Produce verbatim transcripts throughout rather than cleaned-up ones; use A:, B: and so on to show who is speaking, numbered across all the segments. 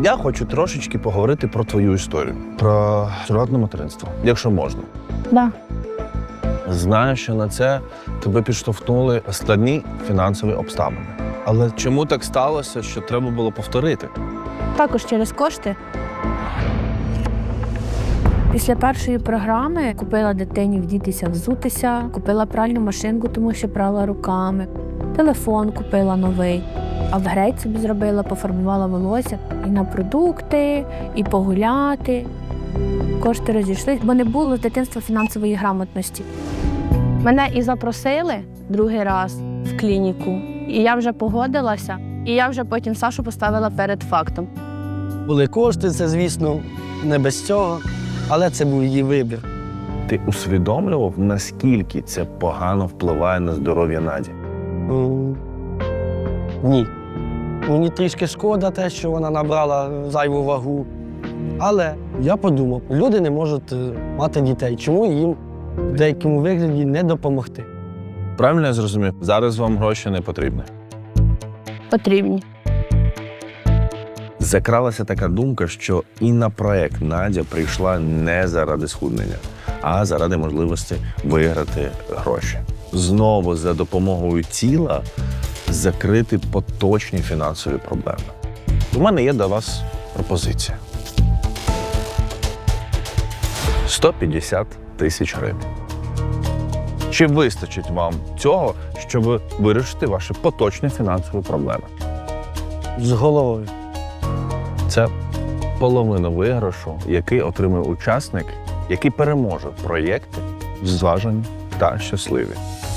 A: Я хочу трошечки поговорити про твою історію. Про сурогатне материнство, якщо можна.
B: Да.
A: Знаю, що на це тебе підштовхнули складні фінансові обставини. Але чому так сталося, що треба було повторити?
B: Також через кошти. Після першої програми купила дитині вдітися, взутися, купила пральну машинку, тому що прала руками, телефон купила новий, апгрейд собі зробила, пофарбувала волосся і на продукти, і погуляти. Кошти розійшлись, бо не було з дитинства фінансової грамотності. Мене і запросили другий раз в клініку, і я вже погодилася, і я вже потім Сашу поставила перед фактом.
C: Були кошти, це, звісно, не без цього, але це був її вибір.
A: Ти усвідомлював, наскільки це погано впливає на здоров'я Наді?
C: М, Ні. Мені трішки шкода те, що вона набрала зайву вагу. Але я подумав, люди не можуть е, мати дітей. Чому їм в деякому вигляді не допомогти?
A: Правильно я зрозумів? Зараз вам гроші не потрібні.
B: Потрібні.
A: Закралася така думка, що і на проект Надя прийшла не заради схуднення, а заради можливості виграти гроші. Знову за допомогою тіла закрити поточні фінансові проблеми. У мене є до вас пропозиція. сто п'ятдесят тисяч гривень. Чи вистачить вам цього, щоб вирішити ваші поточні фінансові проблеми?
C: З головою.
A: Це половина виграшу, який отримує учасник, який переможе в проєкті зважені та щасливі.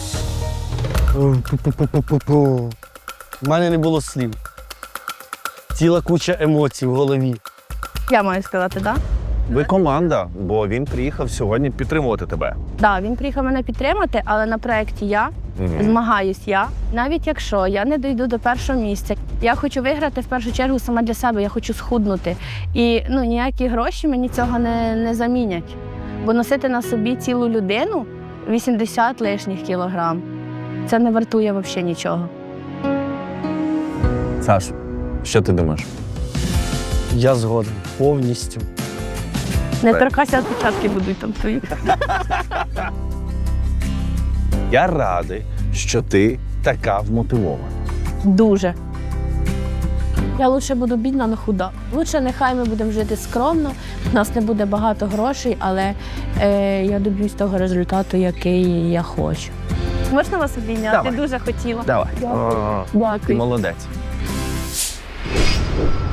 C: Пу-пу-пу-пу-пу. У мене не було слів. Ціла куча емоцій в голові.
B: Я маю сказати, так?
A: Ви команда, бо він приїхав сьогодні підтримувати тебе.
B: Так, він приїхав мене підтримати, але на проєкті я,
A: Мгм.
B: змагаюсь я. Навіть якщо я не дійду до першого місця, я хочу виграти в першу чергу сама для себе, я хочу схуднути. І ну, ніякі гроші мені цього не, не замінять. Бо носити на собі цілу людину вісімдесят лишніх кілограм, це не вартує взагалі нічого.
A: Саш, що ти думаєш?
C: Я згоден повністю.
B: Не
A: Так.
B: торкайся, відпечатки будуть там твої.
A: Я радий, що ти така вмотивована.
B: Дуже. Я лучше буду бідна, але худа. Лучше нехай ми будемо жити скромно, у нас не буде багато грошей, але е, я доб'юсь того результату, який я хочу. Можна вас обійняти?
A: Давай.
B: Дуже хотіла.
A: Давай.
B: Дякую.
A: О,
B: Дякую.
A: ти молодець.